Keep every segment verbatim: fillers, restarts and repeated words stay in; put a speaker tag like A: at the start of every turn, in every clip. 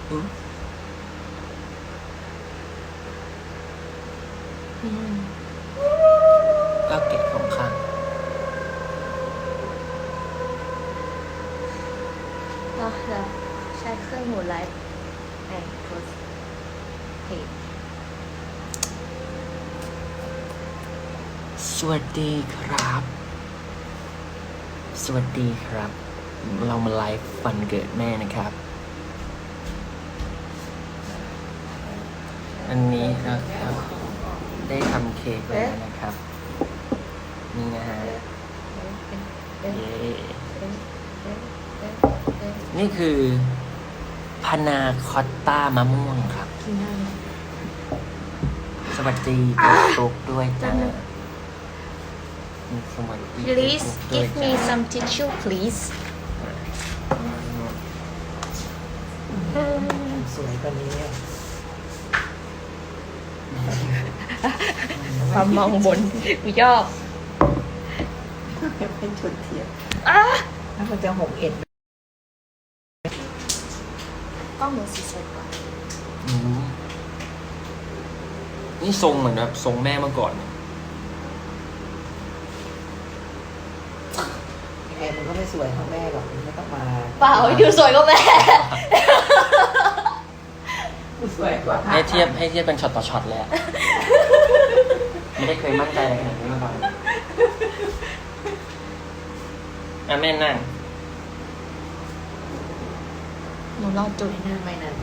A: อืม
B: อืม
A: ก็เก็บของข้าง
B: ก็จะใช้เครื่องหมุนไลฟ์ไอ้โพสเพจ
A: สวัสดีครับ สวัสดีครับ เรามาไลฟ์วันเกิดแม่นะครับ อันนี้นะครับได้ทำเค้กแล้วนะครับ นี่นะฮะ เย้นี่คือพานาคอตต้ามะม่วงครับ
B: กินได้ไหม
A: สวัสดีตุ๊กตุ๊กด้วยจ้าสวัสดี
B: Please
A: ตุ๊ก
B: give
A: ด้วย
B: me
A: จ้า
B: some tissue please
C: สวยกว่านี้อะ
B: ความมองบนกูชอบ
C: เป็นชุดเทียม
B: อ่ะ
C: แล้วมันจะหกเอ็ด
B: กล้องหนูสีสวยกว่า
A: อืมนี่ทรงเหมือนแบบทรงแม่เมื่อก่อนเนี่ย
C: แอร์มันก็ไม่สวยเท่าแม่หรอกมันไม่ต้องมา
B: เปล่าดูสวยกว่าแม่
C: สวยกว่า
A: ให้เทียบให้เทียบเป็นช็อตต่อช็อตเลยอะไม่ได้เคยมั่นใจอะไรขนาดนี้มาก่อนอ่ะแม่นั่ง
B: หนูลองจุด
C: ไม่น่าไม่นาน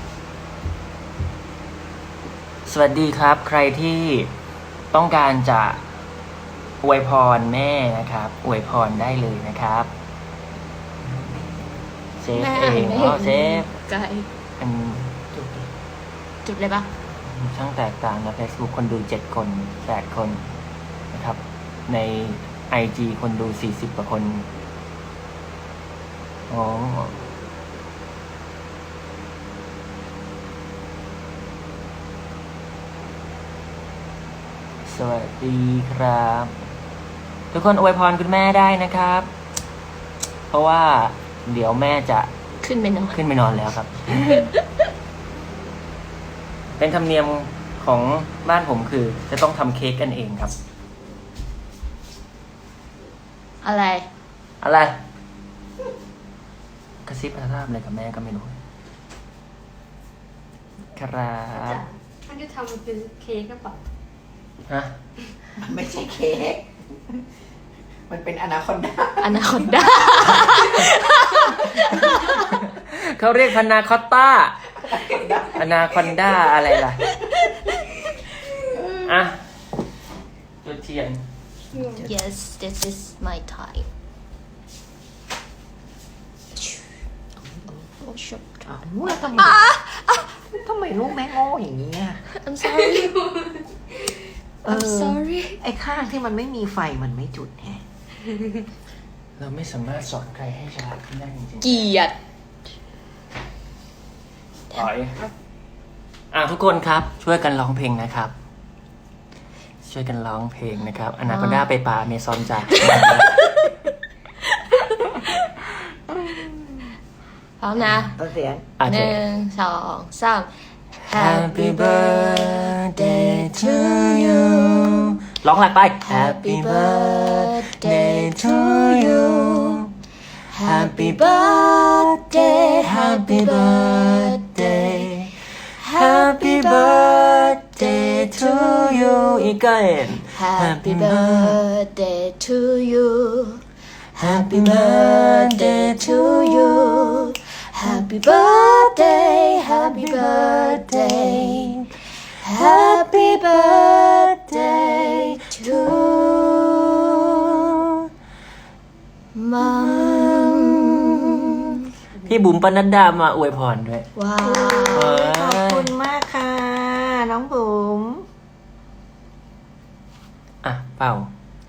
A: สวัสดีครับ ใครที่ต้องการจะอวยพรแม่นะครับอวยพรได้เลยนะครับเซฟเองอ๋อเซฟ
B: ไกล
A: เป็น
C: จุดดิ
B: จุดเลยปะ
A: ช่างแตกต่างนะ Facebook คนดูเจ็ดคนแปดคนนะครับ ใน ไอ จี คนดูสี่สิบกว่าคนอ๋อสวัสดีครับ ทุกคนอวยพรคุณแม่ได้นะครับ เพราะว่าเดี๋ยวแม่จะ
B: ขึ้นไปนอน
A: ขึ้นไปนอนแล้วครับ เป็นธรรมเนียมของบ้านผมคือ จะต้องทำเค้กกันเองครับ
B: อะไร
A: อะไร กระซิบกระซาบอะไรกับแม่ก็ไม่รู้ ครับ
D: มันจะทำเป็นเค้กหรือเปล่า
A: ฮะ
C: มันไม่ใช่เค้กมันเป็นอนาคอนดา
B: อนาคอนด้า
A: เขาเรียกพานาคอตต้าอนาคอนด้าอะไรล่ะ อ่ะจุดเทียน
B: yes this is my time โอ้ชอบ
C: อ้าวแล้วทำไมทำไมลูกแม่โง่อย่างนี้อ่ะ
B: I'm sorry
C: เอ
B: I'm
C: อ
B: sorry
C: ไอ้ข้างที่มันไม่มีไฟมันไม่จุดแฮะ
A: เราไม่สามารถสอนใครให้ฉลาดขึ้นได้จริงๆ
B: เกลียด
A: ถอยอ่ะทุกคนครับ ช่วยกันร้องเพลงนะครับ ช่วยกันร้องเพลงนะครับอนาคอนด้าไปป่าเมซอนจ้ะ
B: พร้อมนะ
C: ต้นเสียง
A: อาจ
B: ห
A: จะ
B: นึ่งสองสาม
A: Happy birthday to you ร้องหลักไป Happy birthday to you Happy birthday Happy birthday Happy birthday to you อีกกัน
B: Happy birthday to you
A: Happy birthday to you
B: Happy birthday Happy birthday Happy birthday to mom
A: พี่บุ๋มปนัดดามาอวยพรด้วย
B: ว้า
A: เอ
B: ว
C: ขอบ
A: อ
C: คุณมากค่ะ น้องบุ๋ม
A: อ่ะ เป่า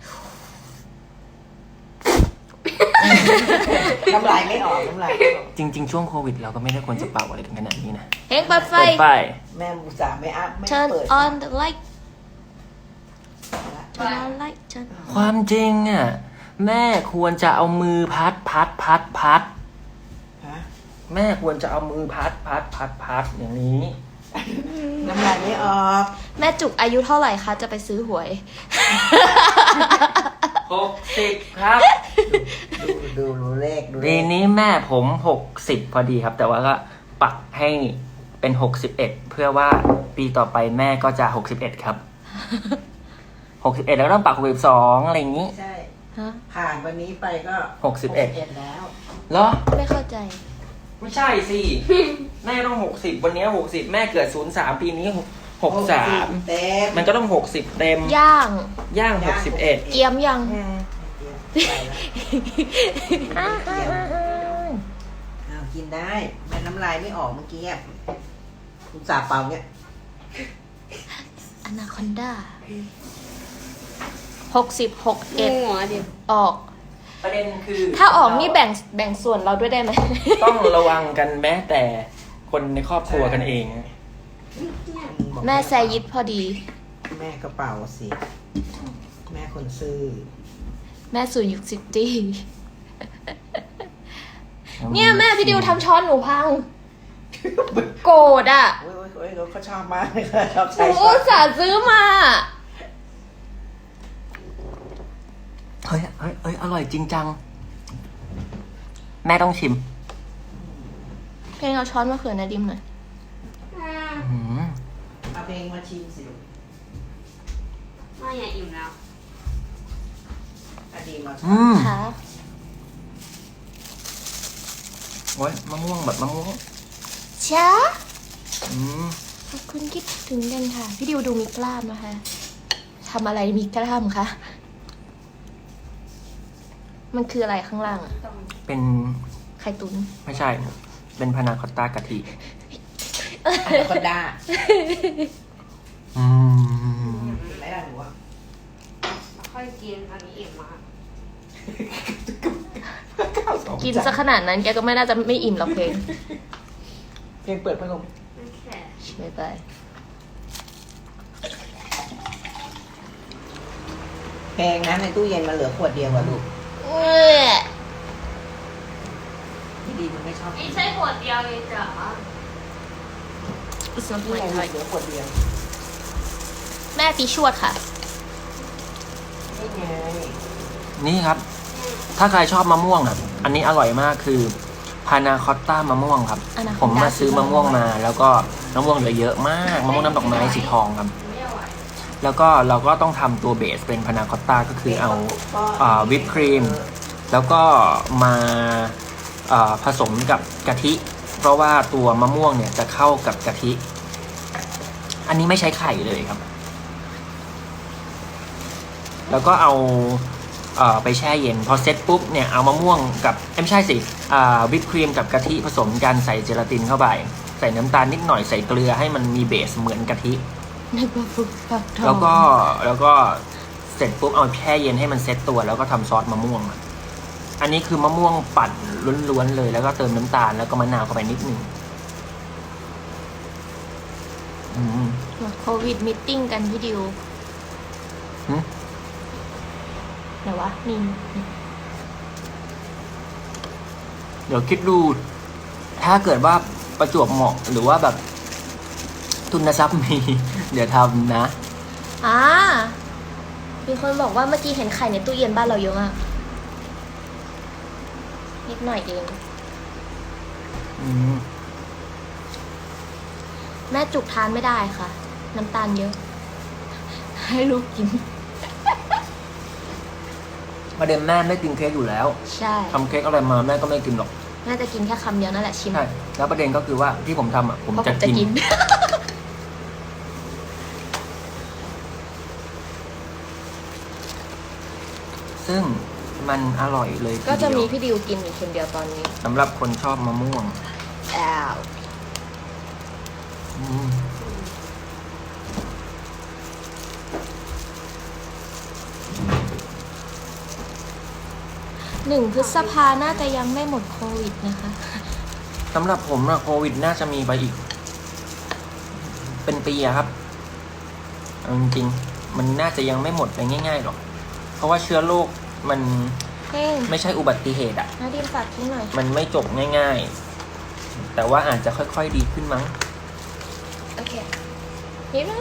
C: น้ำลายไม่ออกน้ำลายไม่ออก
A: จริง ๆ ช่วงโควิด เราก็ไม่ได้ควรจะเป่าอะไรกันขนาดนี้นะ
B: เฮงเปิดไฟ
A: เปิดไฟ
C: แม่อุตส่าห์ไม่อัพไม่
B: Turn
C: เปิด
B: on the light Turn on light turn
A: ความจริงอ่ะ แม่ควรจะเอามือพัดพัดพัดพัด
C: พัดฮะ
A: แม่ควรจะเอามือพัดพัดพัดพัดอย่างนี้
C: น้ำลายไม่ออก
B: แม่จุกอายุเท่าไหร่คะจะไปซื้อหวย
A: หกสิบครับ
C: ดูดูดูเลขดูเล
A: ปี
C: ข
A: นี้แม่ผมหกสิบพอดีครับ แต่ว่าก็ปักให้เป็นหกสิบเอ็ดเพื่อว่าปีต่อไปแม่ก็จะหกสิบเอ็ดครับหกสิบเอ็ดแล้วก็ต้องปักหกสิบสองอะไรอย่างนี้
C: ใช่
B: ฮะ
C: ผ่านวันนี้ไปก็
A: หกสิบเอ็ด
C: แล้ว
A: เหรอ
B: ไม่เข้าใจ
A: ไม่ใช่สิ แม่ต้องหกสิบวันนี้หกสิบแม่เกิดศูนย์สามปีนี้หกสาม
C: เต็ม
A: มันก็ต้องหกสิบเต็ม
B: ย่าง
A: ย่างหกสิบเอ็ด
B: เกียมยัง
C: อ้าวกินได้แม่น้ำลายไม่ออกเมื่อกี้อ่ะคุณสาเปล่าเนี่ย
B: อนาคอนดาหกสิบหกเอ็ด
D: หัวดิ
B: ออก
A: ประเด็นคือ
B: ถ้าออกนี่แบ่งแบ่งส่วนเราด้วยได้ไหม
A: ต้องระวังกันแม้แต่คนในครอบครัวกันเอง
B: แม่แซยิดพอดี
C: แม่กระเป๋าสิ แม่คนซื้อ
B: แม่สู่ยุคซิตี้เนี่ยแม่พี่ดิวทำช้อนหนูพัง โกรธอ่ะ
C: โอ้ยโอ้ยโอ้ยเขาชอบมากเลยค่ะชอบ
B: ห
C: ใช้
B: นู
C: ช้อ
B: อุ
C: น
B: ตส่าห์ซื้อมา
A: เฮ้ยเฮ้ยเฮ้ยอร่อยจริงจัง แม่ต้องชิม
B: เพลงเอาช้อนมาเผื่อนาดิมหน่อย
A: อืม
C: เอาเพลงมาชิมสิลูก
D: ไม่อยากอิ่มแล้ว
C: อดีมา
A: อืม
B: ค่ะ
A: โอ้ยมะม่วงแบบมะม่วง
B: ช้า
A: อืม
B: ขอบคุณคิดถึงกันค่ะ พี่ดิวดูมีกล้ามนะคะทำอะไรมีกล้ามคะ มันคืออะไรข้างล่างอะ
A: เป็น
B: ไข่ตุ๋น
A: ไม่ใช่ เป็นพานาคอตต้ากะทิ
C: อนาคอนดา
A: อืม
C: กินไหมล่ะหนูอะ
D: ค่อยกินอันนี้อิ่มมาก
B: กินซะขนาดนั้นแกก็ไม่น่าจะไม่อิ่มหรอกเพลง
C: เพลงเปิดพัดลม
D: ไม่แค่
B: ไม่ไป
C: เพลงนะในตู้เย็นมันเหลือขวดเดียวอะลูก
B: เอ้ย
C: พี่ดีมันไม่ชอบ
D: ไม่ใช่ขวดเดียวเลยจ้ะ
B: It's not
C: นี่
B: my
C: ไง
B: type
C: เหลือขวดเดียว
B: แม่ปีชวดค่ะ
C: นี่ไง
A: นี่ครับ ถ้าใครชอบมะม่วงอ่ะ อันนี้อร่อยมากคือพานาคอตต้ามะม่วงครับ
B: Anaconda
A: ผมมาซื้อมะม่วงมา แล้วก็มะม่วงเหลือเยอะมากมะม่วงน้ำดอกไม้สีทองครับ
D: ไม่ไหว
A: แล้วก็เราก็ต้องทำตัวเบสเป็นพานาคอตต้าก็คือเอาอ่าวิปครีม แล้วก็มาอ่าผสมกับกะทิ เพราะว่าตัวมะม่วงเนี่ยจะเข้ากับกะทิ อันนี้ไม่ใช้ไข่เลยครับ แล้วก็เอาเอ่อไปแช่เย็น พอเซ็ตปุ๊บเนี่ยเอามะม่วงกับเอ้ยไม่ใช่สิอ่าวิปครีมกับกะทิผสมกันใส่เจลาตินเข้าไป ใส่น้ำตาลนิดหน่อยใส่เกลือให้มันมีเบสเหมือนกะทิ
B: นึกว่าฟุกฟักทอง
A: แล้วก็แล้วก็เสร็จปุ๊บเอาแช่เย็นให้มันเซ็ตตัวแล้วก็ทำซอสมะม่วงอะอันนี้คือมะม่วงปั่นล้วนๆเลย แล้วก็เติมน้ำตาลแล้วก็มะนาวเข้าไปนิดนึงอืม
B: โควิดมิทติ้งกันพี่ดิว
A: หึ
B: ไหนวะนี่
A: เดี๋ยวคิดดู ถ้าเกิดว่าประจวบเหมาะหรือว่าแบบทุนทรัพย์มี เดี๋ยวทำนะ
B: อ่ามีคนบอกว่าเมื่อกี้เห็นไข่ในตู้เย็นบ้านเราเยอะมากนิดหน่อยเอง
A: อืม
B: แม่จุกทานไม่ได้ค่ะ น้ำตาลเยอะ ให้ลูกกิน
A: ประเด็นแม่ไม่กินเค้กอยู่แล้ว
B: ใช่
A: ทำเค้กอะไรมาแม่ก็ไม่กินหรอก
B: แม่จะกินแค่คำเดียวนั่นแหละชิม
A: ใช่แล้วประเด็นก็คือว่าที่ผมทำอ่ะผม
B: เพราะผ
A: จะ
B: มจะ
A: กิน
B: กิน
A: ซึ่งมันอร่อยเลยที
B: ก็จะมี
A: เดียว
B: พี่ดิวกินอยู่คนเดียวตอนนี้
A: สำหรับคนชอบมะม่วง
B: อ้าว
A: อืม
B: หนึ่งพฤษภาน่าจะยังไม่หมดโควิดนะคะ
A: สำหรับผมอะโควิดน่าจะมีไปอีก เป็นปีอะครับเอาจริงๆมันน่าจะยังไม่หมดไปง่ายๆหรอก เพราะว่าเชื้อโรคมัน
B: เฮ้ย
A: ไม่ใช่อุบัติเหตุอ่ะ
B: นาดินฝากทิ้งหน่อย
A: มันไม่จบง่ายๆ แต่ว่าอาจจะค่อยๆดีขึ้นมั้ง
B: โอเคเห็นไหม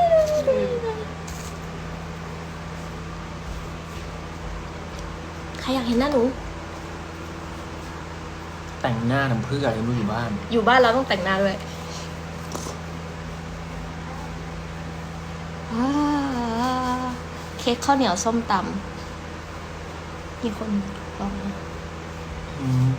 B: ใครอยากเห็นหน้าหนู
A: แต่งหน้าทำเพื่ออะไรไม่รู้อยู่บ้าน
B: อยู่บ้านเราต้องแต่งหน้าด้วยว้าวเค้กข้าวเหนียวส้มตำมีคนลองนะ
A: อืม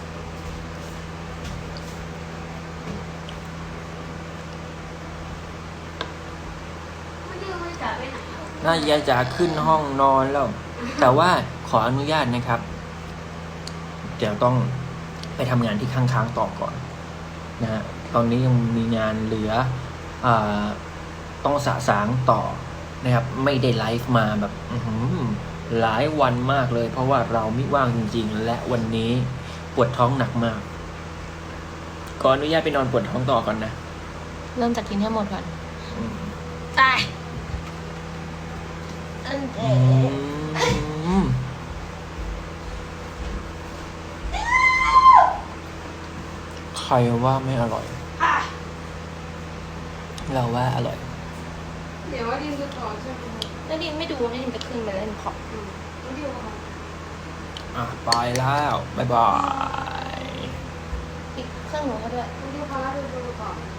D: ไม่ได้ว่าจะไปไหนอ่ะ
A: น่ายายจะขึ้นห้องนอนแล้ว แต่ว่าขออนุญาตนะครับ เดี๋ยวต้องไปทำงานที่ค้างๆต่อก่อนนะฮะ ตอนนี้ยังมีงานเหลืออาต้องสะสางต่อนะครับ ไม่ได้ไลฟ์มาแบบอื้อหือหลายวันมากเลย เพราะว่าเราไม่ว่างจริงๆ และวันนี้ปวดท้องหนักมาก ขออนุญาตไปนอนปวดท้องต่อก่อนนะ
B: เริ่มจากกินให้หมดก่อน
A: อืม
B: ตายอันเด
A: อืมใครว่าไม่อร่อย
D: อ่ะ
A: เราว่าอร่อย
D: เดี๋ยวว่าดินจะต่อใช่ไหม
B: นาดินไม่ดูนาดินไปขึ้นไปเล่นขอบ
D: อืมไม่ได้ว่า
A: อ่ะ ไปแล้ว บ๊ายบาย
B: อีกเครื่องหนูให้ด้วย
D: ไม่ได้พาเราไปดูก่อน